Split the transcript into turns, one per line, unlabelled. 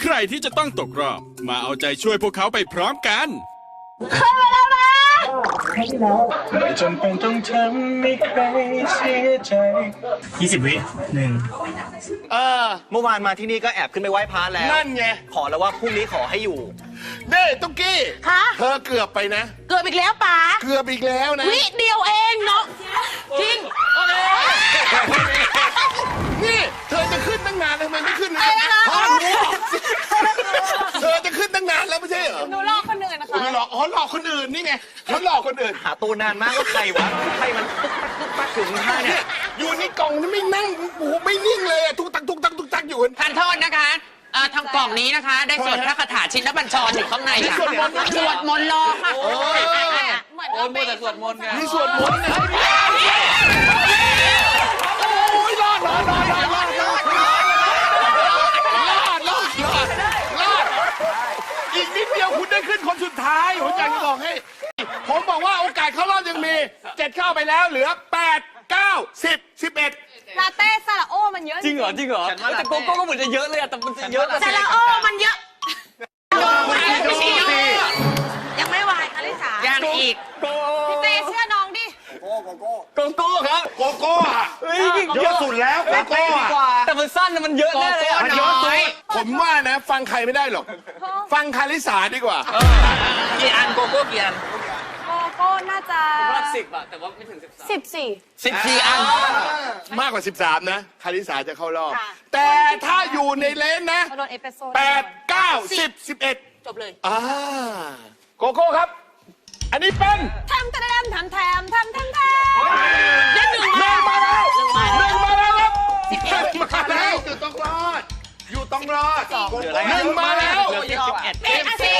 ใครที่จะต้องตกรอบ มาเอาใจช่วยพวกเขาไปพร้อมกัน
ไม่จำเป็นต้องทำให้ใครเสียใจ20 วิ
เมื่อวานมาที่นี่ก็แอบขึ้นไปไหว้พระแล้ว
นั่นไง
ขอแล้วว่าพรุ่งนี้ขอให้อยู่
เด้ตุ๊กกี้
คะ
เธอเกือบไปนะ
เกือบอีกแล้วป๋า
เกือบอีกแล้วนะ
วิเดียวเองเนาะจริง
นี่เธอจะขึ้นตั้งนานทำไมไม่ขึ้นนะพอหนูออกสิเธอจะขึ้นตั้งนานแล้วไม่ใช่เหรอ
หนูลอกคนอื่นนะคะ
หนูหลอกอ๋อหลอกคนอื่นนี่ไงเขาหลอกคนอื่น
หาตัวนานมากว่าใครวะใครมันตุ๊กปักอยู่ข้างท่าเนี่ย
อยู่ในกล่องนี่ไม่นั่งโอ้โหไม่นิ่งเลยอะทุกตักทุกตักทุกตักอยู่
ทานโทษนะคะทางกล่องนี้นะคะ ได้สวดพระคาถาชินบัญชรอยู่ข้างในค่ะ
สวดมนต์
สวดมนต์รอค่ะ
เหมือนเราเป็น
สวดมนต์ไง
มีสวดมนต์นะโอ้ยรอดอีกนิดเดียวคุณได้ขึ้นคนสุดท้ายผมอยากจะบอกให้ผมบอกว่าโอกาสเข้ารอบยังมี7เข้าไปแล้วเหลือ8 9 10 11
ลาเต้ซาลาโอมันเยอะ
จริงเหรอแต่โกโก้ก็เหมือนจะเยอะเลยอะแต่มันจะเยอะกว่า
ซาลาโอมันเยอะยังไม่วายคาริสา
ยังอีก
พี่เต้เชื่อน้องดิ
โกโก้ครับ
โกโก้อะ
เฮ้ย
เยอะสุดแล้วโกโก้อะ
แต่มันสั้นนะมันเยอะแน่เลย
มันเยอะสุดผมว่านะ ฟังใครไม่ได้หรอก ฟังคาริสาดีกว่า
กี่อันโกโก้กี่อัน
โกโก้น่าจะ
10อะแต่ว่าไม่ถึง
14
14 อัน
มากกว่า 13 นะ คาริสาจะเข้ารอบ
ค่ะ
แต่ถ้าอยู่ในเลนนะ
เขาโดนเอสเปรสโซ่
8 9 10 11
จบเลย
โกโก้ครับ อันนี้เป็น
ทำได้หนึ่ง
หนึ่งมาแล้วหนึ่งมาแล้วครับ
11
มาแล้วอยู่ต้องรอด อยู่ต้องรอดหนึ่งมาแล้ว
11
เอ็ดสิ